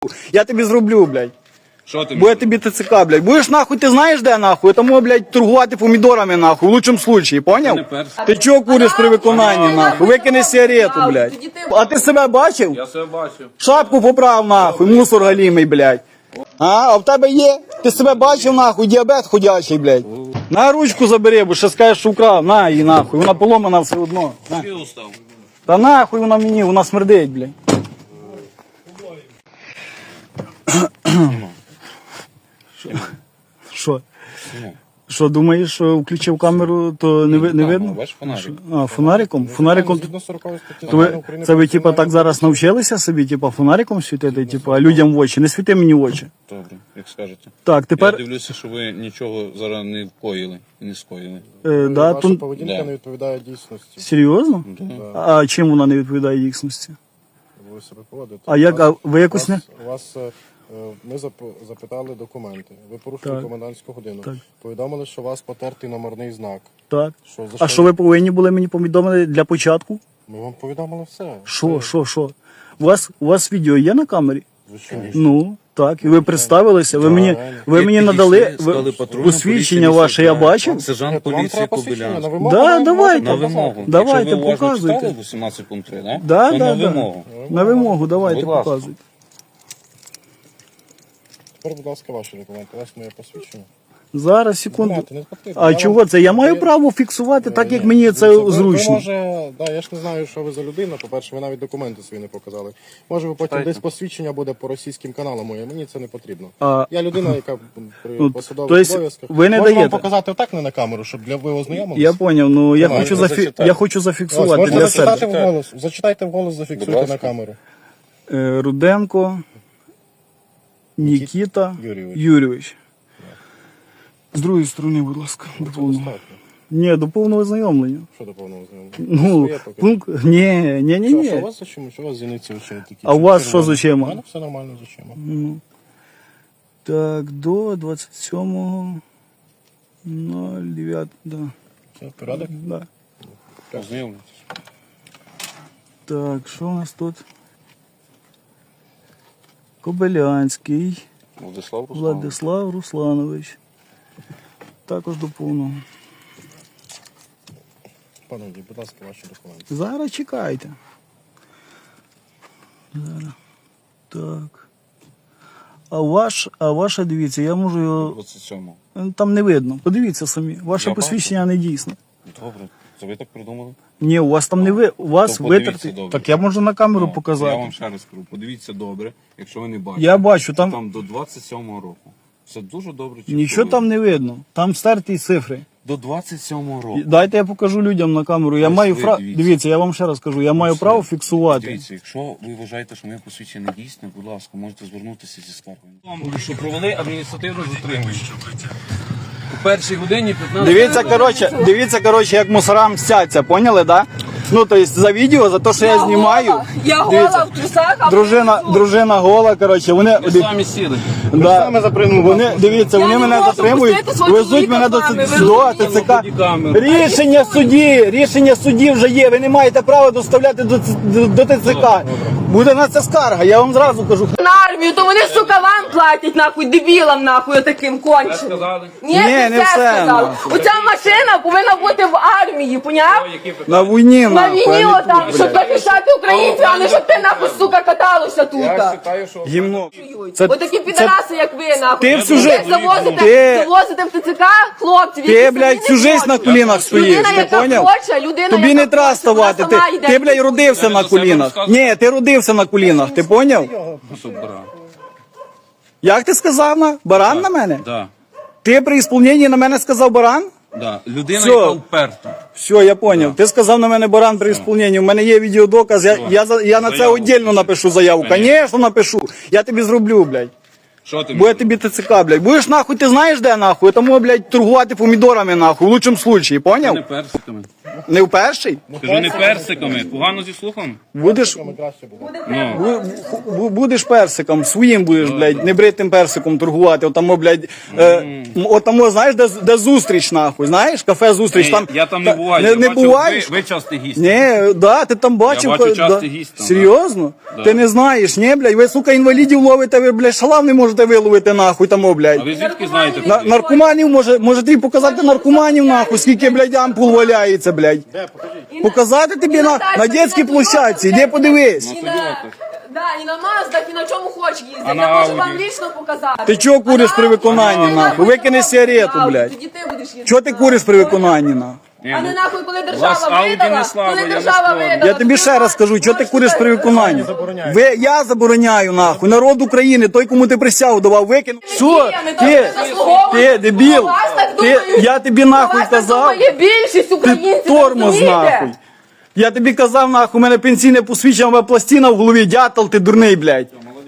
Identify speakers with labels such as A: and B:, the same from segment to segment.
A: Я тобі зроблю, блядь.
B: Що ти?
A: Бо я тобі ТЦК, блядь. Будеш нахуй, ти знаєш де нахуй? Тому, блядь, торгувати помідорами нахуй, в лучшому случаї, поняв?
B: не перший.
A: Ти чого куриш при виконанні нахуй? Викини сигарету, блядь. А ти себе бачив?
B: Я себе бачив.
A: Шапку поправ нахуй, мусор галімий, блядь. А в тебе є? Ти себе бачив нахуй, діабет ходячий, блядь. На ручку забери, бо ще скажеш, що вкрав. На її нахуй, вона поломана все одно. На.
B: Ти устав.
A: Та нахуй вона мені, вона смердить, блядь. Що? Що, думаєш, що включив камеру, то не видно?
B: Бачиш фонарик.
A: А, фонариком? Фонариком?
C: Згідно 40 статті
A: То ви,
C: Закону України
A: це ви,
C: про
A: типа, так зараз навчилися собі, типа, фонариком світити, типа, людям в очі? Не світи мені в очі.
B: Добре, як скажете.
A: Так,
B: Я
A: тепер,
B: дивлюся, що ви нічого зараз не вкоїли і не скоїли.
A: да,
C: Ваша
A: то,
C: поведінка
B: Да.
C: не відповідає дійсності.
A: серйозно? А чим вона не відповідає дійсності?
C: Ви себе поводите.
A: А як, а ви якось не?
C: Ми запитали документи. Ви порушили
A: Так.
C: комендантську годину.
A: Так.
C: Повідомили, що у вас потертий номерний знак.
A: Так.
C: Що, за
A: А що ви повинні були мені повідомити для початку?
C: Ми вам повідомили все.
A: Що? У вас відео є на камері?
C: Звичайно.
A: Ну, так, і ви представилися, ви мені надали посвідчення ваше, я бачив.
B: Сержант
C: Вам
B: поліції
C: треба посвідчення на
B: Кобилянський.
C: вимогу.
A: Да,
C: ви
A: давайте.
B: На
C: можете
B: вимогу.
C: показати.
A: Давайте,
B: Якщо ви уважно
A: показуйте.
B: читали 18 пункт 3, да?
A: Да,
B: то
A: да,
B: на
A: да.
B: вимогу.
A: На вимогу, давайте,
B: Будь ласка.
A: показуйте.
C: Тепер, будь ласка, ваші документи. У вас моє посвідчення.
A: Зараз, секунду.
C: Знаєте, не потрібно.
A: А
C: Я
A: чого
C: вам-
A: це? Я маю право фіксувати так, як мені
C: Ви
A: це зручно.
C: може, я ж не знаю, що ви за людина. По-перше, ви навіть документи свої не показали. Може, ви потім десь посвідчення буде по російським каналам моє. Мені це не потрібно.
A: А,
C: Я людина, яка при
A: Ну,
C: посадових
A: то есть
C: обов'язках.
A: ви не
C: Можу вам
A: даєте?
C: показати отак не на камеру, щоб для ви ознайомилися.
A: Я поняв, ну я
C: Давай,
A: хочу,
B: зачитай.
A: я хочу
C: Ось,
A: зафіксувати
C: можна
A: для
C: зачитати
A: себе.
C: вголос. Зачитайте вголос,
B: Будь
C: зафіксуйте
B: ласка.
C: на камеру.
A: Руденко Нікіта
C: Юрійович.
A: Юрійович. З другої сторони, будь ласка, до
C: Це
A: повного.
C: достатньо.
A: Ні, до повного знайомлення.
C: Що до повного ознайомлення?
A: Ну,
C: Своє поки.
A: пункт, ні.
C: Що у вас за чим? Що у вас зіниці очі такі?
A: А у вас що за
C: червоні?
A: очима?
C: У мене все нормально з очима.
A: Так, до 27.09, да.
C: Все, порядок?
A: Да.
B: Ознайомлюйтесь.
A: Так, що у нас тут? Кобилянський
B: Владислав Руслан.
A: Владислав Русланович. Також до повного.
C: Пановні, будь ласка, ваші документи.
A: Зараз чекайте. Зараз. Так. А ваша, дивіться, я можу його.
B: 27.
A: Там не видно. Подивіться самі. Ваше
B: Я
A: посвідчення не дійсне.
B: Добре. Це ви так придумали?
A: Ні, у вас там не ви. У вас
B: То подивіться
A: витерти.
B: добре.
A: Так я можу на камеру
B: Ну,
A: показати.
B: Я вам ще раз кажу, подивіться добре, якщо ви не бачите.
A: Я бачу, там
B: Там до 27-го року. Все дуже добре. чітко
A: нічого
B: видно.
A: там не видно. Там стерті цифри.
B: До 27-го року.
A: Дайте я покажу людям на камеру. Я
B: Ось
A: маю
B: ви
A: право.
B: дивіться.
A: Дивіться, я вам ще раз кажу, я маю
B: Все.
A: право фіксувати.
B: Дивіться, якщо ви вважаєте, що моє посвідчення не дійсне, будь ласка, можете звернутися зі скаргою. Що провели адміністративне затримання. У першій годині 15...
A: Дивіться, коротше, як мусорам мстяться, поняли, да? Ну, то есть за відео, за те, що я знімаю.
D: Я
A: Дивіться.
D: гола в трусах, а
A: Дружина гола, коротше, вони.
B: Ви самі сіли.
A: Да, вони, дивіться,
D: Я
A: вони
D: не
A: мене
D: можу
A: затримують,
D: пустити свого
A: везуть мене до
D: чоловіка з вами, ви
A: ТЦК.
B: бодікамеру.
A: Рішення судді вже є, ви не маєте права доставляти до ТЦК. Буде на це скарга, я вам зразу кажу.
D: на армію, то вони, сука, вам платять, нахуй, дебілам, нахуй, таким конченим.
B: сказали?
D: Ні,
A: не
D: не
A: все,
D: все сказали.
A: нахуй.
D: Оця машина повинна бути в армії, поняв?
A: На війні,
D: На
A: нахуй,
D: війні
A: а не
D: отам,
A: тут,
D: щоб
A: блядь.
D: захищати українців, а не щоб ти, нахуй, сука, каталося тут.
A: Гімно. Це-
D: Отакі підараси, як ви, нахуй.
A: Ти всю жизнь-
D: завозите в ТЦК хлопців,
A: Ти,
D: які
A: блядь,
D: самі
A: всю
D: не
A: жизнь
D: хочуть.
A: на колінах стоїш,
D: Людина,
A: ти
D: яка
A: поняв?
D: хоче, людина,
A: Тобі
D: яка
A: не треба
D: хоче,
A: ставати.
D: вона сама йде.
A: Ти, блядь, родився на колінах. Ні, ти родився на колінах, ти поняв? Як ти сказав на? Баран на мене?
B: Да.
A: Ти при ісполненні на мене сказав баран?
B: Да. Людина,
A: Все.
B: яка вперта.
A: Все, я поняв. Ти сказав на мене баран при ісполненні. У мене є відеодоказ, я на це
B: Заяву
A: віддільно напишу заяву. Звісно, напишу. Я тобі зроблю, блядь.
B: Що ти?
A: Буде тобі ТЦК, блядь. Будеш нахуй, ти знаєш де нахуй? Тому, блядь, торгувати помідорами нахуй, в лучшому случаї,
B: Не
A: поняв?
B: персиками.
A: Не в перший?
B: Кажу, не персиками. Погано зі слухом?
A: Будеш,
C: Ми краще буде.
B: Ну.
A: будеш персиком, своїм будеш, блядь, небритим персиком торгувати. Отамо, блядь, отамо, знаєш, де зустріч, нахуй, знаєш? Кафе зустріч.
B: Ні,
A: Там,
B: я там не буваю.
A: Не,
B: Я
A: не
B: бачу,
A: буваєш?
B: Ви часто гість.
A: Ні, да, ти там бачив.
B: Я бачу
A: да.
B: часто гість там,
A: Серйозно?
B: Да.
A: Ти не знаєш, ні, блядь? Ви, сука, інвалідів ловите, ви, блядь, шалав не можете виловити, нахуй, тамо, блядь.
B: А ви звідки знаєте?
A: Наркоманів, може тобі показати наркоманів, нахуй, скільки, блядь, ампул валяється, блядь. Показати тобі на дитячій площадці, іди подивись.
D: І на, да, і на Маздах, і на чому хоч їздять.
B: А на
D: Я можу вам
B: Ауді?
D: лічно показати.
A: Ти чого куриш при виконанні, нахуй? Викини сигарету, блядь.
D: Тоді ти будеш їздити.
A: Чого ти куриш при виконанні, нахуй?
D: А не нахуй, коли
B: Вас
D: держава
B: Ауді
D: видала,
B: не слава,
D: коли
B: я не
D: держава
B: спорю.
D: видала.
A: Я тобі ще раз скажу, чого ти куриш при виконанні? Я забороняю, нахуй, народ України, той, кому ти присягу давав, викинув. Що? Ти, дебіл, я тобі нахуй казав.
D: Є більшість українців,
A: Ти тормоз,
D: розумієте?
A: нахуй. Я тобі казав, нахуй, у мене пенсійне посвідчення, у мене пластина в голові, дятел, ти дурний, блядь.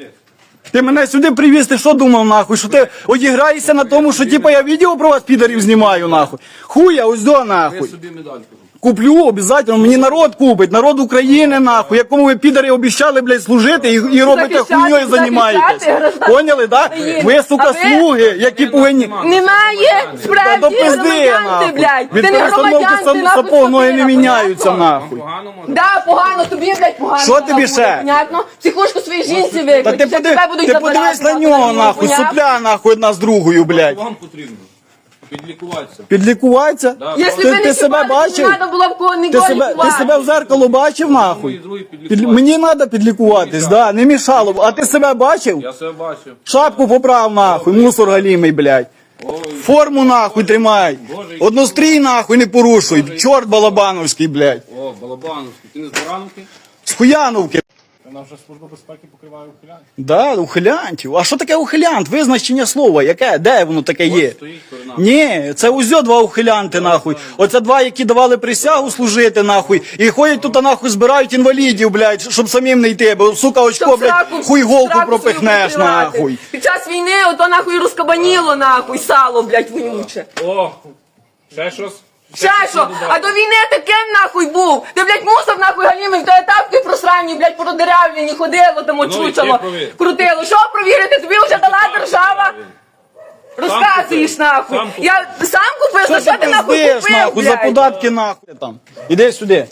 A: Ти мене сюди привіз, ти що думав, нахуй? Що ти одіграєшся на тому, що типа я відео про вас, підарів, знімаю, нахуй? Хуя, ось до, нахуй.
B: Собі медаль кажу.
A: Куплю, обов'язково, мені народ купить, народ України, нахуй, якому ви, підари, обіщали, блядь, служити і робите
D: Захищати,
A: хуйньою займаєтесь.
D: захищати граждан
A: Поняли, да?
D: України.
A: Ви, сука,
D: А ви-
A: слуги, які повинні...
D: Немає
A: Та
D: справді
A: до пизди,
D: громадян
A: нахуй.
D: ти, блядь.
A: Від
D: Ти не
A: перестановки
D: громадян, ти нахуй
A: сапог ноги не
D: скотина,
A: міняються,
D: понятно?
A: нахуй.
B: Погано може?
D: Да, погано, тобі, блядь, погано.
A: Що тобі
D: буде,
A: ще?
D: Понятно? Психушку своїй жінці
A: Та
D: виклик.
A: ти,
D: тебе будуть
A: ти
D: забирати,
A: подивись на
D: нахуй,
A: нього, нахуй,
D: понятно?
A: сопля, нахуй, одна з другою, блядь.
B: Вам потрібно. Підлікуватися.
A: Підлікуватися?
D: Якщо
A: Ти,
D: ви
A: ти
D: не
A: себе
D: чіпали,
A: бачив?
D: не треба було б кого
A: Ти
D: ніколи
A: себе, ти
D: лікувати.
A: себе в зеркало бачив, нахуй?
B: Другий підлікуватися.
A: Мені треба підлікуватись, да, не мішало б. А ти себе бачив?
B: Я себе бачив.
A: Шапку поправ, нахуй, мусор галімий, блядь. Форму, нахуй, тримай. Однострій, нахуй, не порушуй. Чорт балабановський, блядь.
B: О, Балабановський. Ти не з Барановки?
A: З Хуяновки.
C: Нам вже служба безпеки покриває ухиляння.
A: Да, ухилянтів. А що таке ухилянт? Визначення слова, яке? Де воно таке є?
B: Стоїть перед нами.
A: Ні, це узьо два ухилянти, нахуй. Оце два, які давали присягу служити, нахуй. І ходять тут, нахуй, збирають інвалідів, блядь, щоб самим не йти. Бо, сука, очко,
D: Щоб
A: блядь,
D: сраку-
A: хуй голку
D: сраку
A: пропихнеш,
D: свою прикривати.
A: нахуй.
D: Під час війни ото нахуй розкабаніло, нахуй, сало, блядь, вонюче.
B: О, ще щось?
D: Ще що? А до війни таким нахуй був. Ти, блядь, мусор нахуй галімий, в тебе тапки просранні, блядь, продеревлені, ходило там,
B: Ну, і ти
D: очучало,
B: провір.
D: крутило. Що провірити? Тобі вже дала держава? Розказуєш
B: купив.
D: нахуй.
B: Сам купив.
D: Я сам купив,
A: Що
D: за що ти нахуй
A: пиздиш,
D: купив,
A: нахуй, за
D: блядь?
A: податки, нахуй, там. Іди сюди.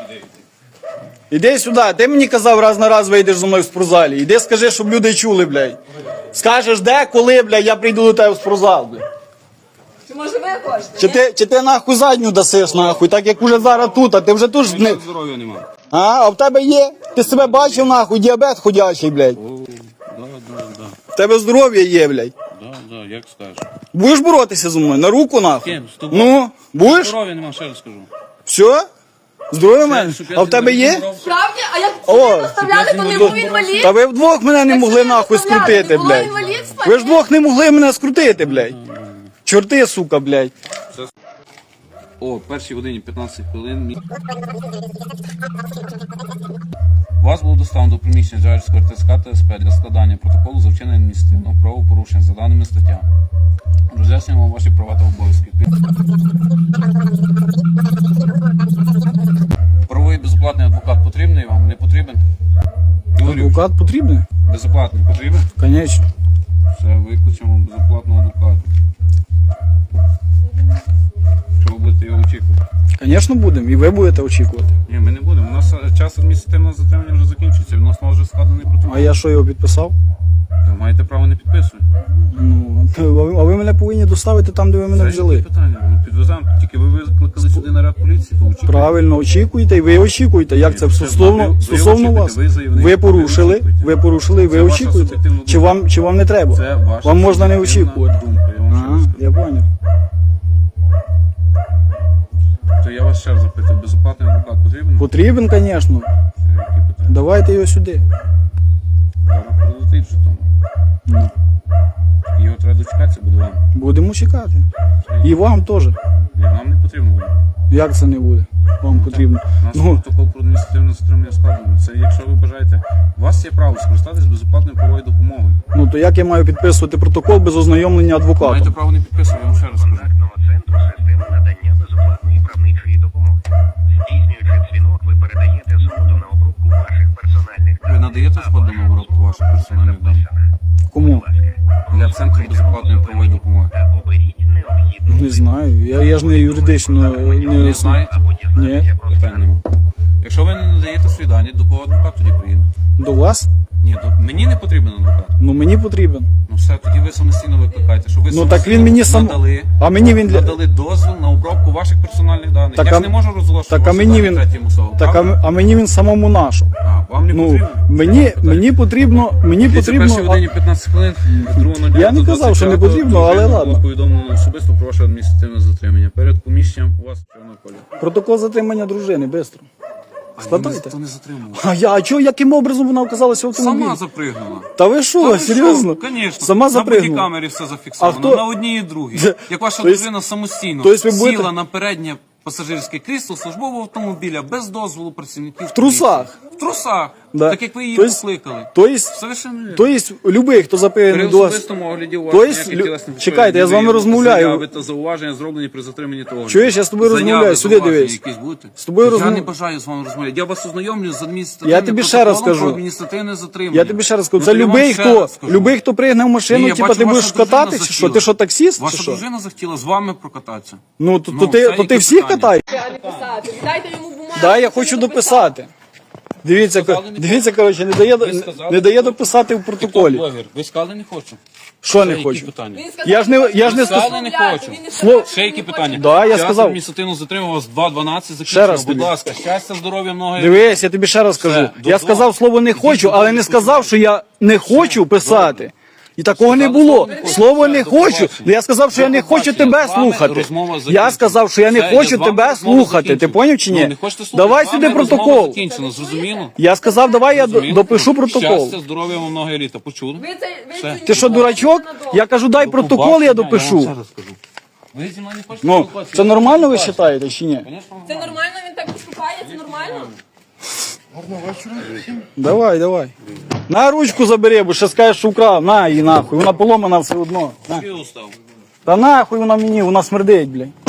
A: Іди сюди. Ти мені казав, раз на раз вийдеш зі мною в спортзалі. Іди скажи, щоб люди чули, блядь. Скажеш, де, коли, блядь, я прийду до тебе в спортзал, блядь.
D: Чи може ви хочете?
A: Чи ти нахуй задню дасиш, нахуй, так як уже зараз тут, а ти вже тут ж не...
B: Здоров'я нема.
A: А в тебе є? Ти себе бачив, нахуй, діабет ходячий, блядь.
B: Да.
A: В тебе здоров'я є, блядь.
B: Да, як скажеш.
A: Будеш боротися зі мною? На руку, нахуй?
B: Ким? З тобою?
A: Ну, будеш?
B: Здоров'я нема, ще раз скажу.
A: Все? Здоров'я в мене?
B: Щоб я
A: А в тебе є?
D: Справді? А як
A: О,
D: сюди доставляли, то не був інвалід?
A: Та ви вдвох мене не
D: Як
A: могли
D: сюди
A: нахуй
D: доставляли,
A: скрутити,
D: не було
A: блядь.
D: інвалідства?
A: Ви ж вдвох не могли мене скрутити, блядь. Чорти, сука, блядь.
B: О, першій годині 15 хвилин. Вас було доставлено до приміщення Джарівського РТСК та СП для складання протоколу за вчинення адміністративного правопорушення за даними статтями. Роз'яснюємо вам ваші права та обов'язки. Правовий безоплатний адвокат потрібний вам? Не потрібен? Говорю,
A: Адвокат потрібний?
B: безоплатний потрібен?
A: Конечно.
B: Все, викличемо безоплатного адвоката. Що ви будете його очікувати?
A: Конечно, будемо. І ви будете очікувати.
B: Ні, ми не будемо. У нас час адміністративного затримання вже закінчується. Відносно вже складений протокол.
A: А я що його підписав?
B: Ви маєте право не підписувати.
A: Ну, а ви мене повинні доставити там, де ви мене
B: Це
A: взяли.
B: які питання. Ми підвеземо. Тільки ви викликали сюди наряд поліції, то очікуйте.
A: Правильно, очікуйте, і ви очікуєте. Як це
B: Це
A: стосовно
B: ви
A: стосовно вас?
B: очікуєте, ви заявник,
A: Ви порушили,
B: ви очікуєте.
A: ви порушили, і ви
B: Це ваша
A: очікуєте.
B: суб'єктивна думка.
A: Чи вам не треба?
B: Це ваша
A: Вам можна не
B: суб'єктивна
A: очікувати.
B: думка, я вам ще
A: Ага,
B: раз скажу.
A: я понял.
B: То я вас ще раз запитую, безоплатний адвокат потрібен?
A: Потрібен, звісно.
B: Які питання?
A: Давайте його сюди.
B: Зараз прилетить вже там.
A: Ну.
B: Його треба дочекатися, буде вам.
A: Будемо чекати. І вам теж.
B: Ні, нам не потрібно буде.
A: Як це не буде? Вам потрібно.
B: У нас
A: Ну,
B: протокол про адміністративне затримання складено. Це якщо ви бажаєте, у вас є право скористатись безоплатною правовою допомогою.
A: ну то як я маю підписувати протокол без ознайомлення адвоката?
B: Маєте право не підписувати, я вам ще раз скажу.
E: Контактного центру системи надання безоплатної правничої допомоги. Здійснюючи дзвінок, ви передаєте згоду на обробку ваших персональних
B: Ви
E: даних.
B: надаєте згоду на обробку ваших персональних даних?
A: Кому?
B: Для центру безоплатної правової допомоги.
E: Оберіть необхідну.
A: Не знаю. Я ж не юридично
B: Не знаєте?
A: Ні.
B: Питань нема. Якщо ви не надаєте свої дані, до кого адвокат тоді приїде?
A: До вас?
B: Ні, мені не потрібен адвокат.
A: Ну мені потрібен.
B: Ну все, тоді ви самостійно викликаєте, що ви
A: Ну так він мені сам.
B: надали,
A: А мені він для.
B: надали дозвіл на обробку ваших персональних даних.
A: Так,
B: Я
A: а-
B: ж не можу розголошувати
A: Так а
B: ваші
A: мені
B: дані
A: він.
B: третім особам.
A: Так
B: правда?
A: а мені він самому нашу.
B: А, вам не
A: Ну
B: потрібно?
A: мені потрібно. Мені
B: Дивіться,
A: потрібно.
B: першій годині 15 хвилин, 2.09.25
A: Я не казав, що не потрібно, але
B: було
A: ладно.
B: повідомлено особисто про ваше адміністративне затримання. Перед поміщенням у вас чорного кольору.
A: Протокол затримання дружини, швидко. Складайте.
B: Ніхто не затримував.
A: А чого, яким образом вона оказалася в автомобілі?
B: Сама запригнула.
A: Та ви що, серйозно?
B: Звісно.
A: Сама
B: На
A: запригнула.
B: бодікамері все зафіксовано.
A: А хто-
B: На одній і другій. Як ваша
A: То есть-
B: дружина самостійно
A: то есть ви будете-
B: сіла на переднє пасажирське крісло службового автомобіля без дозволу працівників. В
A: трусах?
B: В трусах.
A: Да.
B: Так як ви її
A: То есть-
B: покликали.
A: То есть,
B: Совершенно вірно.
A: то есть, любий, хто
B: При
A: запевнений до вас.
B: особистому огляді у вас
A: То есть,
B: ніяких тілесних
A: чекайте, я з вами
B: ушкоджень,
A: розмовляю.
B: заяви та зауваження зроблені при затриманні того.
A: Чуєш, я з тобою
B: Заяви,
A: розмовляю, сюди
B: зауваження
A: дивись.
B: якісь будете?
A: З тобою
B: Я
A: розмов-
B: не бажаю з вами розмовляти. Я вас ознайомлю з адміністративним
A: Я тобі ще раз
B: протоколом
A: скажу.
B: про адміністративне затримання.
A: Я тобі ще раз скажу,
B: Ну,
A: це
B: то я вам
A: любий,
B: ще
A: хто,
B: раз скажу.
A: любий, хто пригне в машину,
B: Ні, я
A: типа
B: бачу,
A: ти
B: ваша
A: будеш
B: дружина
A: кататися, чи що?
B: захотіла.
A: Ти що, таксіст, чи
B: Ваша
A: що?
B: дружина захотіла з вами прокататися.
A: Ну, то
B: Ну,
A: ти
B: це які
A: всіх
B: питання?
A: катай?
D: А не писати. Дайте йому бумагу.
A: Да, я
D: щоб
A: хочу
D: він
A: дописати. Дивіться,
B: сказали,
A: коротше, не дає дописати в протоколі.
B: Блогер, ви сказали не хочу.
A: Що не
B: Які
A: хочу?
B: питання?
D: Він сказав,
A: Я ж не
B: сказали,
A: сказав.
B: не хочу.
D: Він не
A: Слово-
D: сказав,
B: Ще які
D: що він
B: питання?
D: хоче.
A: Да, я
B: Час
A: сказав.
B: адміністративно затримав вас 2.12
A: Ще
B: закінчено.
A: раз
B: Будь
A: тобі.
B: ласка, щастя, здоров'я, много.
A: Дивись, я тобі ще раз кажу. Я
B: додому.
A: сказав слово не хочу,
B: Ідіть
A: але
B: додому,
A: не сказав, що я не хочу писати. І такого не
B: Сказали,
A: було.
B: слово не хочу.
A: Слово не
B: До
A: хочу.
B: побачення.
A: Я сказав, що я не
B: До
A: хочу
B: побачення.
A: тебе
B: З вами
A: слухати.
B: розмова
A: Я
B: закінчена.
A: сказав, що я не
B: Все,
A: хочу
B: з вами
A: тебе
B: розмова
A: слухати. Ти
B: закінчена.
A: поняв чи
B: Ну,
A: ні?
B: не хочете слухати?
A: Давай
B: З вами
A: сюди
B: розмова
A: протокол.
B: закінчена, зрозуміло?
A: Я сказав, давай я
B: Зрозуміло?
A: допишу протокол.
B: Щастя, здоров'я вам много літа. Почули?
D: Ви це
A: Ти що, дурачок? Я кажу, дай протокол, я допишу.
B: вам ще раз кажу. Ви зі мною не хочете
A: Ну,
B: спілкуватися?
A: це нормально ви вважаєте чи ні?
B: Звісно,
D: Це нормально, він так поступає, це нормально.
A: Давай. На ручку забери, бо ще скажеш, що вкрав. На її нахуй, вона поломана все одно. На.
B: я устав.
A: Та нахуй вона мені, вона смердить, блядь.